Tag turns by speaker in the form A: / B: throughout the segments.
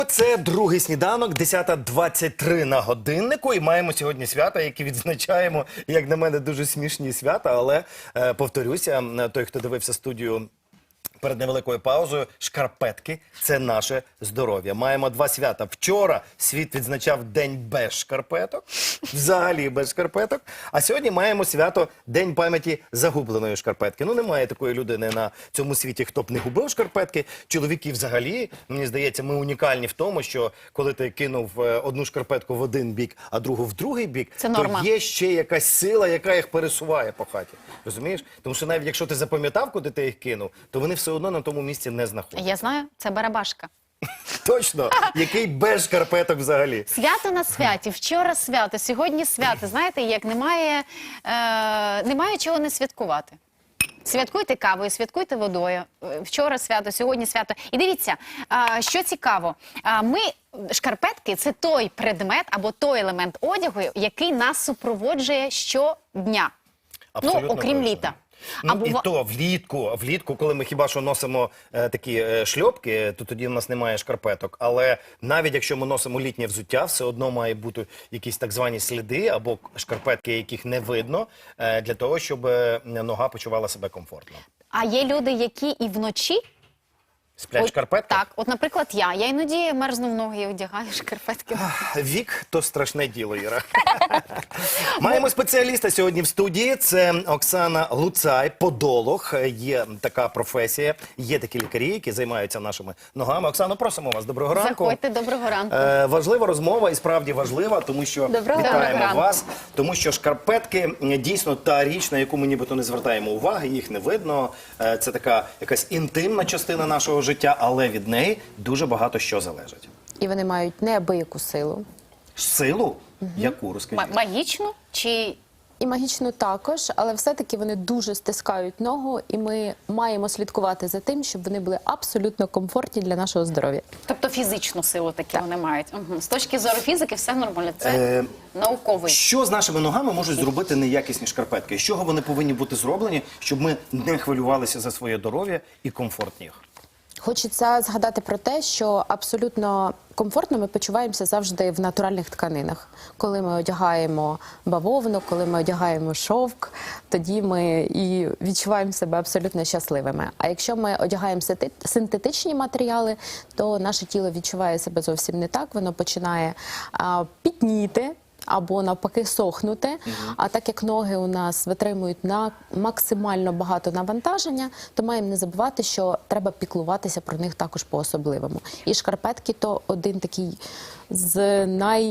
A: Це другий сніданок, 10:23 на годиннику. І маємо сьогодні свята, які відзначаємо, як на мене, дуже смішні свята. Але, повторюся, той, хто дивився студію перед невеликою паузою, шкарпетки – це наше здоров'я. Маємо два свята. Вчора світ відзначав День без шкарпеток, взагалі без шкарпеток. А сьогодні маємо свято День пам'яті загубленої шкарпетки. Ну, немає такої людини на цьому світі, хто б не губив шкарпетки. Чоловіки взагалі, мені здається, ми унікальні в тому, що коли ти кинув одну шкарпетку в один бік, а другу в другий бік, то є ще якась сила, яка їх пересуває по хаті. Розумієш? Тому що навіть якщо ти запам'ятав, куди ти їх кинув, то вони все одно на тому місці не знаходяться.
B: Я знаю, це барабашка.
A: Точно, який без шкарпеток взагалі.
B: Свято на святі, вчора свято, сьогодні свято. Знаєте, як немає чого не святкувати. Святкуйте кавою, святкуйте водою. Вчора свято, сьогодні свято. І дивіться, що цікаво. Шкарпетки – це той предмет або той елемент одягу, який нас супроводжує щодня.
A: Абсолютно
B: окрім
A: точно.
B: літа.
A: Ну, і то влітку, коли ми хіба що носимо такі шльопки, то тоді в нас немає шкарпеток. Але навіть якщо ми носимо літнє взуття, все одно має бути якісь так звані сліди або шкарпетки, яких не видно, для того, щоб нога почувала себе комфортно.
B: А є люди, які і вночі
A: Сплять в шкарпетках?
B: Так, от, наприклад, я іноді мерзну в ноги і одягаю шкарпетки.
A: Вік – то страшне діло, Іра. Маємо спеціаліста сьогодні в студії. Це Оксана Луцай, подолог. Є така професія, є такі лікарі, які займаються нашими ногами. Оксано, просимо вас. Доброго ранку.
B: Заходьте, доброго ранку.
A: Важлива розмова і справді важлива, тому що вітаємо вас. Тому що шкарпетки дійсно та річ, на яку ми нібито не звертаємо уваги, їх не видно. Це така якась інтимна частина нашого життя, але від неї дуже багато що залежить.
C: І вони мають неабияку силу.
A: Силу? Яку, розкажіть?
B: Магічну чи...
C: І магічну також, але все-таки вони дуже стискають ногу, і ми маємо слідкувати за тим, щоб вони були абсолютно комфортні для нашого здоров'я.
B: Тобто фізичну силу такі вони мають. З точки зору фізики все нормально. Це науковий.
A: Що з нашими ногами можуть зробити неякісні шкарпетки? З чого вони повинні бути зроблені, щоб ми не хвилювалися за своє здоров'я і комфортні їх?
C: Хочеться згадати про те, що абсолютно комфортно ми почуваємося завжди в натуральних тканинах. Коли ми одягаємо бавовну, коли ми одягаємо шовк, тоді ми і відчуваємо себе абсолютно щасливими. А якщо ми одягаємо синтетичні матеріали, то наше тіло відчуває себе зовсім не так, воно починає пітніти, або навпаки сохнути, а так як ноги у нас витримують на максимально багато навантаження, то маємо не забувати, що треба піклуватися про них також по-особливому. І шкарпетки – то один такий з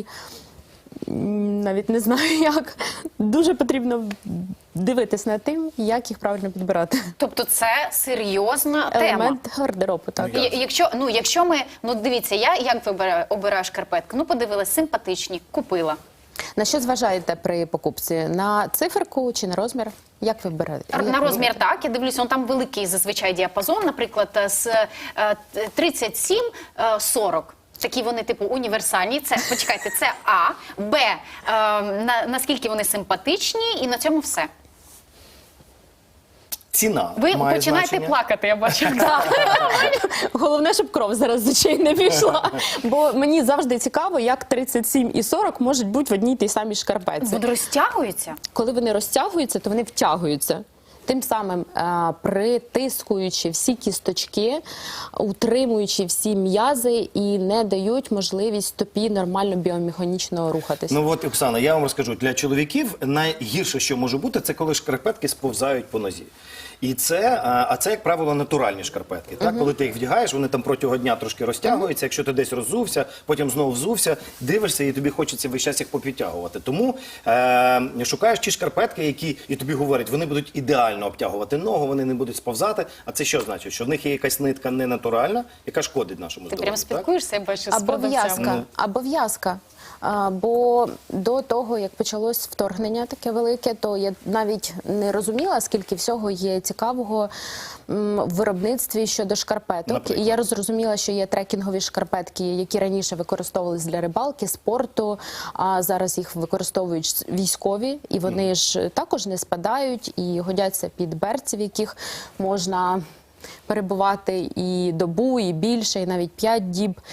C: навіть не знаю як, дуже потрібно дивитись над тим, як їх правильно підбирати.
B: Тобто це серйозна тема.
C: Елемент гардеробу, так.
B: Якщо ми, дивіться, я як обираю шкарпетки? Подивилась, симпатичні, купила.
C: На що зважаєте при покупці? На циферку чи на розмір? Як ви берете?
B: На розмір так, я дивлюся, там великий зазвичай діапазон, наприклад, з 37-40. Такі вони, типу, універсальні. Це, почекайте, це А. Б. Наскільки вони симпатичні, і на цьому все.
A: Ціна
B: Ви
A: має
B: починаєте
A: значення.
B: плакати, я бачу.
C: Головне, щоб кров зараз з очей не пішла. Бо мені завжди цікаво, як 37 і 40 можуть бути в одній тій самій шкарпетці.
B: Вони розтягуються?
C: Коли вони розтягуються, то вони втягуються. Тим самим притискуючи всі кісточки, утримуючи всі м'язи і не дають можливість стопі нормально біомеханічно рухатися.
A: Ну от, Оксана, я вам розкажу, для чоловіків найгірше, що може бути, це коли шкарпетки сповзають по нозі. І це, як правило, натуральні шкарпетки. Так? Коли ти їх вдягаєш, вони там протягом дня трошки розтягуються. Якщо ти десь роззувся, потім знову взувся, дивишся, і тобі хочеться весь час їх попідтягувати. Тому шукаєш ті шкарпетки, які, і тобі говорять, вони будуть ідеально обтягувати ногу, вони не будуть сповзати. А це що значить? Що в них є якась нитка ненатуральна, яка шкодить нашому здоров'ю.
B: Ти прям спілкуєшся, я бачу, з
C: продавцями. Обов'язка. Бо до того, як почалось вторгнення таке велике, то я навіть не розуміла, скільки всього є цікавого в виробництві щодо шкарпеток.
A: Наприклад.
C: І я зрозуміла, що є трекінгові шкарпетки, які раніше використовувались для рибалки, спорту, а зараз їх використовують військові, і вони ж також не спадають і годяться під берці, в яких можна перебувати і добу, і більше, і навіть 5 діб.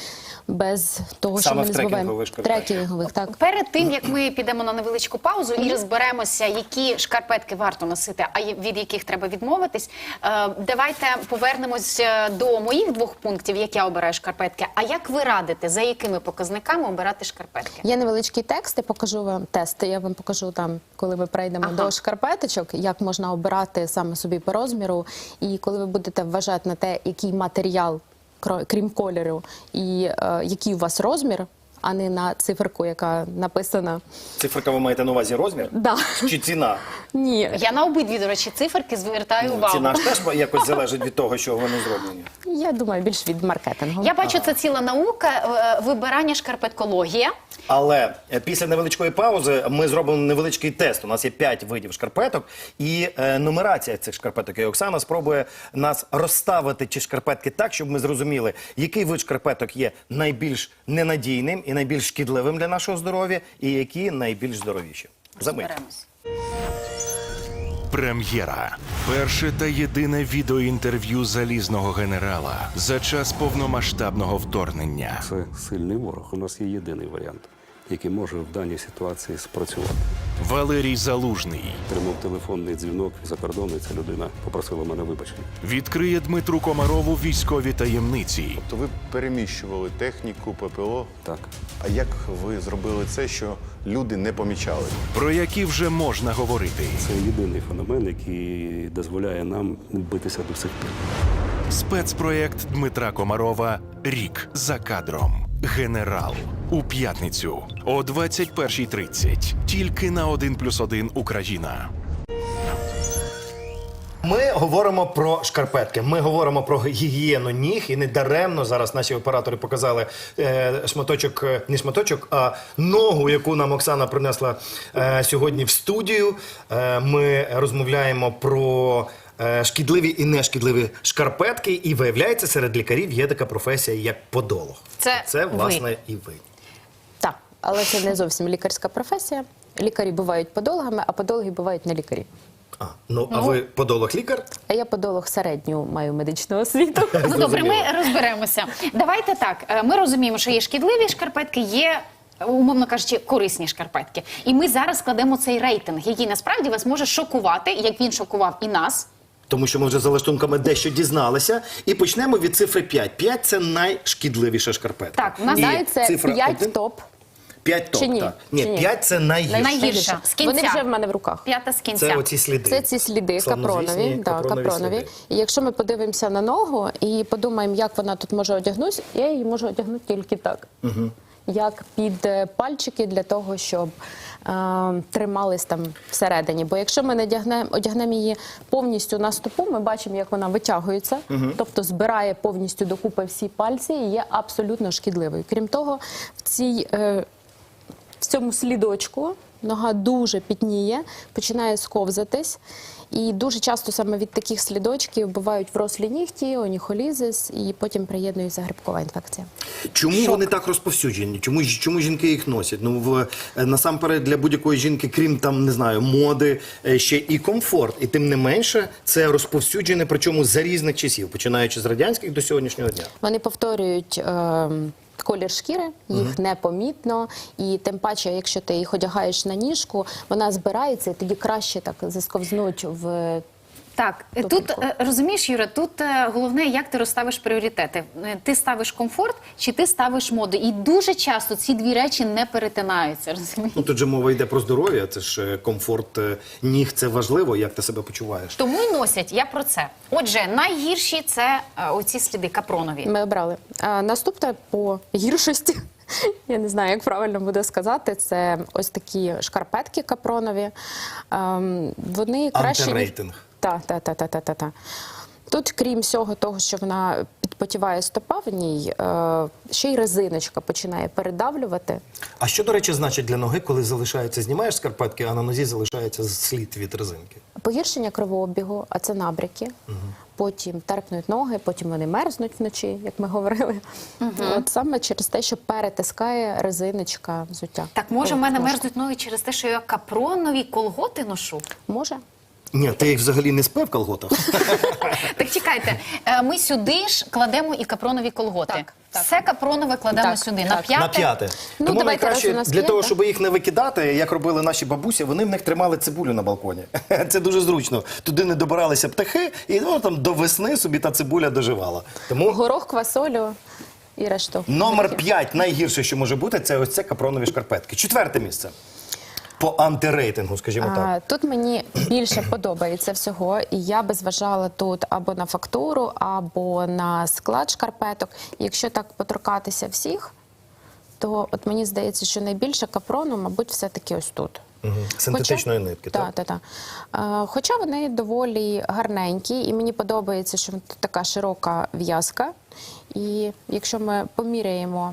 C: без того, що
A: Саме
C: ми
A: в
C: не забуваємо.
A: трекінгових шкарпетках.
C: Трекінгових, так.
B: Перед тим, як ми підемо на невеличку паузу і розберемося, які шкарпетки варто носити, а від яких треба відмовитись, давайте повернемось до моїх 2 пунктів, як я обираю шкарпетки. А як ви радите, за якими показниками обирати шкарпетки?
C: Є невеличкий текст, я покажу вам тест. Я вам покажу там, коли ми перейдемо до шкарпеточок, як можна обирати саме собі по розміру. І коли ви будете вважати на те, який матеріал, крім кольору, і який у вас розмір, а не на циферку, яка написана.
A: Циферка, ви маєте на увазі розмір?
C: Да.
A: Чи ціна?
C: Ні.
B: Я на обидві, до речі, циферки звертаю увагу.
A: Ціна ж теж якось залежить від того, що вони зроблені.
C: Я думаю, більш від маркетингу.
B: Я бачу, це ціла наука, вибирання шкарпеткологія.
A: Але після невеличкої паузи ми зробимо невеличкий тест. У нас є 5 видів шкарпеток і нумерація цих шкарпеток. І Оксана спробує нас розставити ці шкарпетки так, щоб ми зрозуміли, який вид шкарпеток є найбільш ненадійним і найбільш шкідливим для нашого здоров'я, і які найбільш здоровіші. За мить.
B: Розберемось.
D: Прем'єра. Перше та єдине відеоінтерв'ю залізного генерала за час повномасштабного вторгнення.
E: Це сильний ворог. У нас є єдиний варіант, який може в даній ситуації спрацювати.
D: Валерій Залужний
E: Тримав телефонний дзвінок за кордону, і ця людина попросила мене вибачення.
D: відкриє Дмитру Комарову військові таємниці.
F: То ви переміщували техніку, ППО.
E: Так.
F: А як ви зробили це, що люди не помічали?
D: Про які вже можна говорити.
E: Це єдиний феномен, який дозволяє нам битися до сих пір.
D: Спецпроєкт Дмитра Комарова «Рік за кадром. Генерал». У п'ятницю о 21:30. Тільки на 1+1 Україна.
A: Ми говоримо про шкарпетки, ми говоримо про гігієну ніг, і не даремно зараз наші оператори показали шматочок, не шматочок, а ногу, яку нам Оксана принесла сьогодні в студію. Ми розмовляємо про шкідливі і нешкідливі шкарпетки, і виявляється, серед лікарів є така професія, як подолог.
B: Це ви.
A: власне, і ви.
C: Так, але це не зовсім лікарська професія. Лікарі бувають подологами, а подологи бувають не лікарі.
A: А ви подолог-лікар?
C: А я подолог середню маю медичну освіту.
B: Ну добре, ми розберемося. Давайте так. Ми розуміємо, що є шкідливі шкарпетки, є, умовно кажучи, корисні шкарпетки. І ми зараз складемо цей рейтинг, який насправді вас може шокувати, як він шокував і нас.
A: Тому що ми вже за лаштунками дещо дізналися. І почнемо від цифри 5. 5 – це найшкідливіша шкарпетка.
B: Так, у нас
C: Знаю, це
A: цифра
C: 5
A: 1.
C: топ.
A: 5 топ,
C: Чи ні?
A: так. Ні,
C: Чи ні?
A: 5 – це найгірше.
B: Найгірша. З кінця.
C: Вони вже в мене в руках.
B: 5 з кінця.
A: Це оці сліди.
C: Це ці сліди
A: Славнозвісні
C: капронові, да, капронові.
A: сліди.
C: І якщо ми подивимося на ногу і подумаємо, як вона тут може одягнутися, я її можу одягнути тільки так. Як під пальчики для того, щоб тримались там всередині. Бо якщо ми не одягнемо її повністю на стопу, ми бачимо, як вона витягується, тобто збирає повністю докупи всі пальці і є абсолютно шкідливою. Крім того, в цьому слідочку нога дуже пітніє, починає сковзатись. І дуже часто саме від таких слідочків бувають врослі нігті, оніхолізис, і потім приєднується грибкова інфекція.
A: Чому вони так розповсюджені? Чому жінки їх носять? Ну, насамперед, для будь-якої жінки, крім там, не знаю, моди, ще і комфорт. І тим не менше, це розповсюджене, причому за різних часів, починаючи з радянських до сьогоднішнього дня.
C: Вони повторюють колір шкіри, їх непомітно, і тим паче, якщо ти їх одягаєш на ніжку, вона збирається, і тоді краще так засковзнуть в...
B: Так, тут,
C: Тупенько.
B: розумієш, Юра, тут головне, як ти розставиш пріоритети. Ти ставиш комфорт чи ти ставиш моду. І дуже часто ці дві речі не перетинаються, розумієш?
A: Ну, тут же мова йде про здоров'я, це ж комфорт ніг, це важливо, як ти себе почуваєш.
B: Тому й носять, я про це. Отже, найгірші – це оці сліди капронові.
C: Ми обрали. Наступне по гіршості, я не знаю, як правильно буде сказати, це ось такі шкарпетки капронові. Вони краще...
A: Антирейтинг.
C: Так. Тут, крім всього того, що вона підпотіває стопа в ній, ще й резиночка починає передавлювати.
A: А що, до речі, значить для ноги, коли залишається, знімаєш скарпетки, а на нозі залишається слід від резинки?
C: Погіршення кровообігу, а це набряки. Потім терпнуть ноги, потім вони мерзнуть вночі, як ми говорили. От саме через те, що перетискає резиночка взуття.
B: Так, може, в мене
C: Може.
B: мерзнуть ноги через те, що я капронові колготи ношу?
C: Може.
A: Ні, ти їх взагалі не спив в колготах?
B: Так чекайте, ми сюди ж кладемо і капронові колготи.
C: Так, так.
B: Все капронове кладемо
C: Так,
B: сюди.
C: так.
B: На п'яте?
A: На п'яте.
C: Ну,
A: Тому
C: давайте,
A: найкраще
C: раз у нас
A: для
C: є,
A: того,
C: так.
A: щоб їх не викидати, як робили наші бабусі, вони в них тримали цибулю на балконі. Це дуже зручно. Туди не добиралися птахи, і там до весни собі та цибуля доживала. Тому
C: Горох, квасолю і решту.
A: номер 5 найгірше, що може бути, це ось це капронові шкарпетки. 4 місце. По антирейтингу, скажімо так.
C: Тут мені більше подобається всього, і я би зважала тут або на фактуру, або на склад шкарпеток. Якщо так поторкатися всіх, то от мені здається, що найбільше капрону, мабуть, все-таки ось тут.
A: Синтетичної нитки, так?
C: Так. Хоча вони доволі гарненькі, і мені подобається, що тут така широка в'язка. І якщо ми поміряємо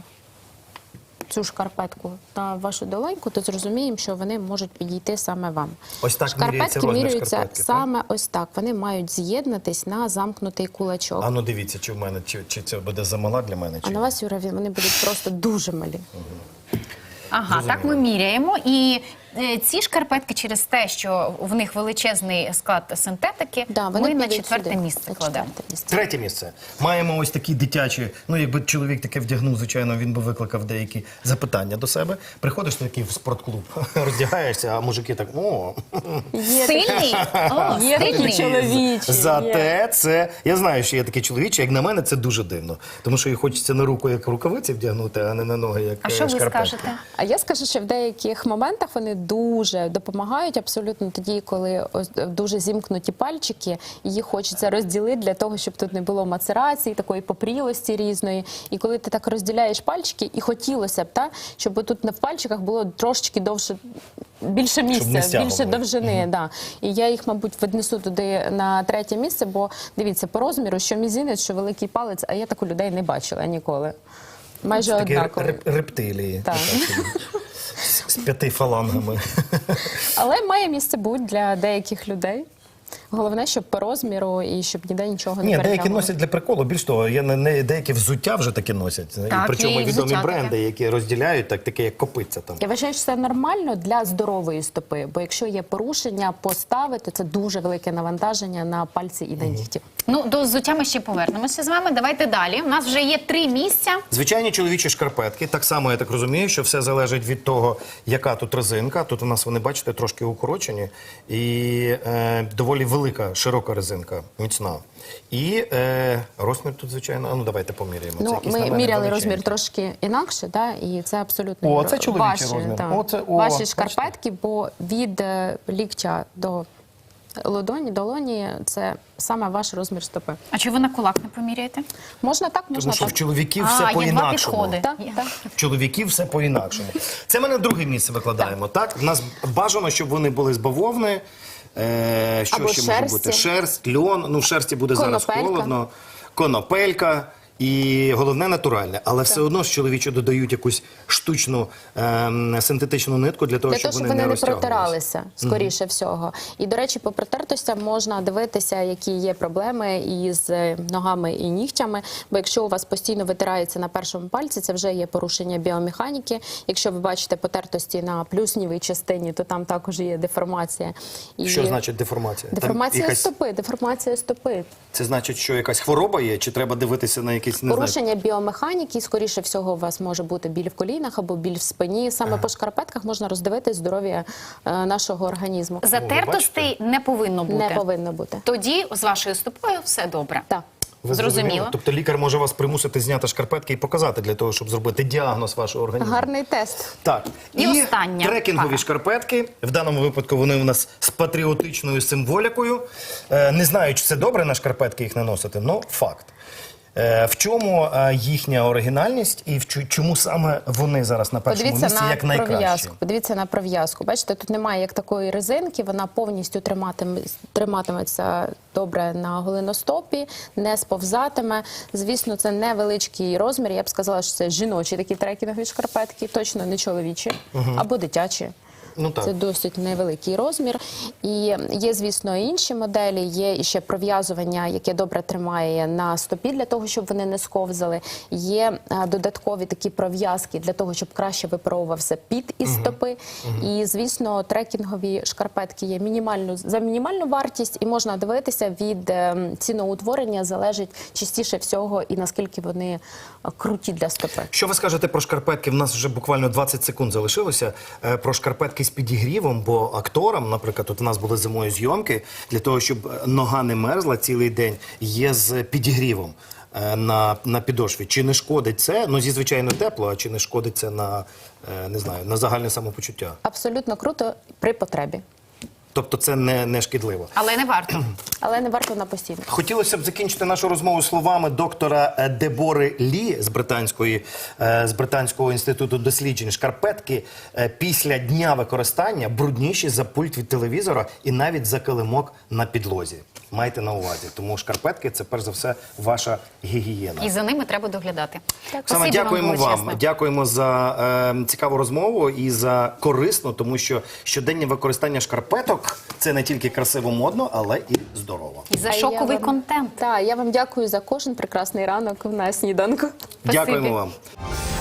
C: цю шкарпетку на вашу долоньку, то зрозуміємо, що вони можуть підійти саме вам.
A: Ось так міряється
C: Шкарпетки
A: розмір
C: міряються
A: шкарпетки, так?
C: саме ось так. Вони мають з'єднатись на замкнутий кулачок.
A: А ну дивіться, чи в мене, чи це буде замала для мене,
C: А
A: чи
C: на
A: ні.
C: вас, Юра, вони будуть просто дуже малі.
B: Ага, так ми міряємо. І ці шкарпетки через те, що в них величезний склад синтетики,
C: Да, вони
B: ми на
C: підуть
B: 4-те
C: сюди,
B: місце
C: на
B: кладемо.
C: 4-те місце.
A: 3 місце. Маємо ось такі дитячі, ну якби чоловік таке вдягнув, звичайно, він би викликав деякі запитання до себе. Приходиш такий в спортклуб, роздягаєшся, а мужики так, о,
B: Стильний? О,
C: Є такі
B: стильний.
C: чоловічі.
A: зате це, я знаю, що є такі чоловічі, як на мене, це дуже дивно. Тому що їх хочеться на руку як рукавиці вдягнути, а не на ноги як
B: А що ви
A: шкарпетки.
B: скажете?
C: А я скажу, що в деяких моментах вони дуже допомагають, абсолютно тоді, коли ось дуже зімкнуті пальчики, і їх хочеться розділити для того, щоб тут не було мацерації, такої попрілості різної. І коли ти так розділяєш пальчики, і хотілося б, щоб тут в пальчиках було трошечки довше, більше
A: не
C: місця,
A: стягували.
C: більше довжини. Да. І я їх, мабуть, віднесу туди на 3 місце, бо дивіться, по розміру, що мізинець, що великий палець, а я так у людей не бачила ніколи. Майже
A: Такі
C: однакові.
A: рептилії.
C: Так.
A: З 5 фалангами.
C: Але має місце бути для деяких людей. Головне, щоб по розміру і щоб ніде нічого не
A: Ні, деякі
C: перетягнуло.
A: носять для приколу. Більш того, деякі взуття вже таки носять. І
B: Так,
A: причому
B: є і
A: відомі
B: взуття
A: бренди,
B: таке.
A: які розділяють, таке як копиця там.
C: Я вважаю, що це нормально для здорової стопи, бо якщо є порушення постави, то це дуже велике навантаження на пальці і на нігті.
B: Ну, до взуття ми ще повернемося з вами. Давайте далі. У нас вже є 3 місця.
A: Звичайні чоловічі шкарпетки. Так само, я так розумію, що все залежить від того, яка тут резинка. Тут у нас, вони, бачите, трошки укорочені. І доволі велика, широка резинка, міцна. І розмір тут, звичайно, а ну давайте поміряємо. Це
C: Ну,
A: якийсь, на
C: ми
A: мене,
C: міряли
A: величенький.
C: розмір трошки інакше, і це абсолютно
A: О, це чоловічий
C: ваші,
A: розмір.
C: так,
A: О, це- о,
C: ваші
A: бачите?
C: шкарпетки, бо від ліктя до долоні це саме ваш розмір стопи.
B: А чи ви на кулак не поміряєте?
C: Можна так, можна
A: Тому що в
C: так.
A: чоловіків все
B: є 2
A: по-інакшому.
B: підходи.
C: Так, так.
A: В чоловіків все по-інакшому. Це ми на 2 місце викладаємо, так? У нас бажано, щоб вони були з бавовни. Що
C: Або
A: ще може
C: шерсті.
A: бути? Шерсть, льон. Ну, в шерсті буде зараз
C: Конопелька.
A: холодно. Конопелька. І головне натуральне, але все одно ж чоловічі додають якусь штучну синтетичну нитку для того,
C: Для
A: щоб
C: того, щоб
A: вони
C: вони не
A: розтягувалися.
C: протиралися, скоріше всього. І, до речі, по протертостям можна дивитися, які є проблеми із ногами і нігтями. Бо якщо у вас постійно витирається на першому пальці, це вже є порушення біомеханіки. Якщо ви бачите потертості на плюснівій частині, то там також є деформація. І
A: Що значить деформація? Там
C: Деформація
A: якась-
C: стопи, деформація стопи.
A: Це значить, що якась хвороба є, чи треба дивитися на якісь, не знаю,
C: Порушення біомеханіки, скоріше всього, у вас може бути біль в колінах або біль в спині. Саме по шкарпетках можна роздивитись здоров'я нашого організму.
B: Затертостей не повинно бути.
C: Не повинно бути.
B: Тоді з вашою стопою все добре.
C: Так.
A: Ви
B: Зрозуміло.
A: Тобто лікар може вас примусити зняти шкарпетки і показати для того, щоб зробити діагноз вашого організму.
C: Гарний тест.
A: Так.
B: І остання
A: трекінгові
B: пара.
A: шкарпетки. В даному випадку вони у нас з патріотичною символікою. Не знаю, чи це добре на шкарпетки їх наносити, але факт. В чому їхня оригінальність і чому саме вони зараз на першому місці як найкращі?
C: пров'язку. Подивіться на пров'язку. Бачите, тут немає як такої резинки, вона повністю триматиметься добре на голеностопі, не сповзатиме. Звісно, це невеличкий розмір. Я б сказала, що це жіночі такі трекінгові шкарпетки, точно не чоловічі або дитячі.
A: Ну, так.
C: Це досить невеликий розмір. І є, звісно, і інші моделі. Є ще пров'язування, яке добре тримає на стопі для того, щоб вони не сковзали. Є додаткові такі пров'язки для того, щоб краще випаровувався під із стопи. І, звісно, трекінгові шкарпетки є за мінімальну вартість, і можна дивитися від ціноутворення, залежить частіше всього і наскільки вони круті для стопи.
A: Що ви скажете про шкарпетки? В нас вже буквально 20 секунд залишилося. Про шкарпетки з підігрівом, бо акторам, наприклад, от у нас були зимою зйомки, для того, щоб нога не мерзла цілий день, є з підігрівом на підошві. Чи не шкодить це? Ну, звичайно, тепло, а чи не шкодить це на, не знаю, на загальне самопочуття?
C: Абсолютно круто при потребі.
A: Тобто це не шкідливо.
B: Але не варто.
C: Але не варто на постійно.
A: Хотілося б закінчити нашу розмову словами доктора Дебори Лі з Британського інституту досліджень. Шкарпетки після дня використання брудніші за пульт від телевізора і навіть за килимок на підлозі. Майте на увазі. Тому шкарпетки – це, перш за все, ваша гігієна.
B: І за ними треба доглядати.
A: Оксана,
B: Спасибі
A: дякуємо вам.
B: величезне.
A: Дякуємо за цікаву розмову і за корисну, тому що щоденне використання шкарпеток – це не тільки красиво, модно, але і здорово.
B: І за шоковий контент.
C: Так, я вам дякую за кожен прекрасний ранок на сніданку.
A: Дякуємо вам.